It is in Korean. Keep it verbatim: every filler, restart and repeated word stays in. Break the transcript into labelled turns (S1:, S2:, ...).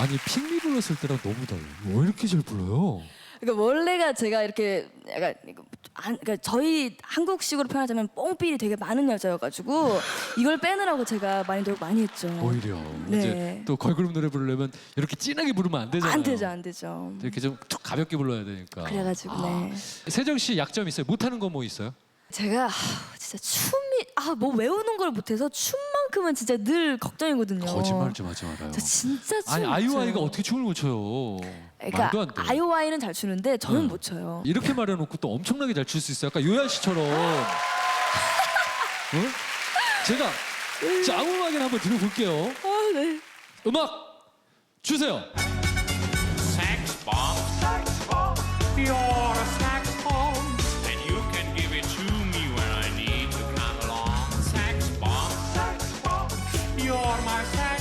S1: 아니 핑미 불렀을 때랑 너무 달라요. 왜 이렇게 잘 불러요?
S2: 그러니까 원래가 제가 이렇게 약간 안, 그러니까 저희 한국식으로 표현하자면 뽕삘이 되게 많은 여자여가지고 이걸 빼느라고 제가 많이 노력 많이 했죠.
S1: 오히려
S2: 네.
S1: 이제 또 걸그룹 노래 부르려면 이렇게 진하게 부르면 안 되잖아요.
S2: 안 되죠, 안 되죠.
S1: 이렇게 좀 툭 가볍게 불러야 되니까.
S2: 그래가지고 네.
S1: 세정 씨 약점 있어요? 못하는 거 뭐 있어요?
S2: 제가 하, 진짜 춤이 아 뭐 외우는 걸 못해서 춤만큼은 진짜 늘 걱정이거든요.
S1: 거짓말 좀 하지 말아요.
S2: 저 진짜 춤
S1: 아니
S2: 못
S1: 아이오아이가
S2: 춰요.
S1: 어떻게 춤을 못 춰요?
S2: 그러니까
S1: 말도 안 돼.
S2: 아이오아이는 잘 추는데 저는
S1: 네.
S2: 못 춰요.
S1: 이렇게 말해놓고 또 엄청나게 잘 출 수 있어요. 아까 요한 씨처럼. 응? 제가 자, 아무 음악이나 한번 들어볼게요.
S2: 아 네.
S1: 음악 주세요.
S3: Sax bomb, sax bomb. You're a sax bomb, and you can give it to me when I need to come along. Sax bomb, sax bomb. You're my sax